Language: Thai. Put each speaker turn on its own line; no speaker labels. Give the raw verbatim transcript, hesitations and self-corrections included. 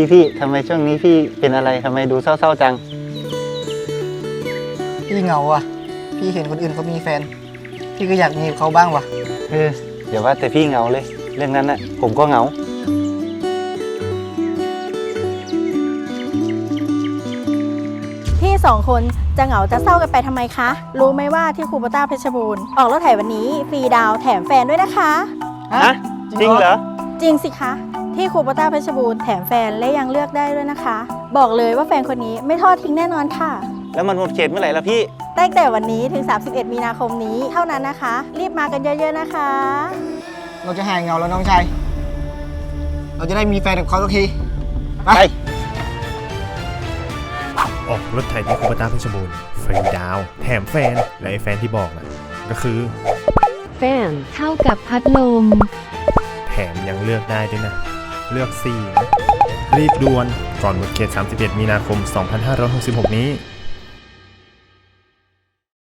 พี่พี่ทำไมช่วงนี้พี่เป็นอะไรทำไมดูเศร้าๆจัง
พี่เหงาว่ะพี่เห็นคนอื่นเขามีแฟนพี่ก็อยากมีกับเขาบ้างว่ะ
เออเดี๋ยวว่าแต่พี่เหงาเลยเรื่องนั้นน่ะผมก็เหงา
พี่สองคนจะเหงาจะเศร้ากันไปทำไมคะรู้ไหมว่าที่คูโบต้าเพชรบูรณ์ออกรถไถวันนี้ฟรีดาวแถมแฟนด้วยนะคะ
ฮะจริงเหรอ
จริงสิคะที่คูโบต้าเพชรบูรณ์แถมแฟนและยังเลือกได้ด้วยนะคะ บอกเลยว่าแฟนคนนี้ไม่ทอดทิ้งแน่นอนค่ะ
แล้วมันหมดเขตเมื่อไหร่ล่ะพี่
ตั้งแต่วันนี้ถึงสามสิบเอ็ดมีนาคมนี้เท่านั้นนะคะรีบมากันเยอะๆนะคะ
เราจะหายเหงาแล้วน้องชายเราจะได้มีแฟนกับเขาสักทีไป
ออกรถไถที่คูโบต้าเพชรบูรณ์ฟรีดาวแถมแฟนและไอ้แฟนที่บอกนะก็คือ
แฟนเข้ากับพัดลม
แถมยังเลือกได้ด้วยนะเลือกสี่รีบด่วนก่อนหมดเขตสามสิบเอ็ดมีนาคมสองพันห้าร้อยหกสิบหกนี้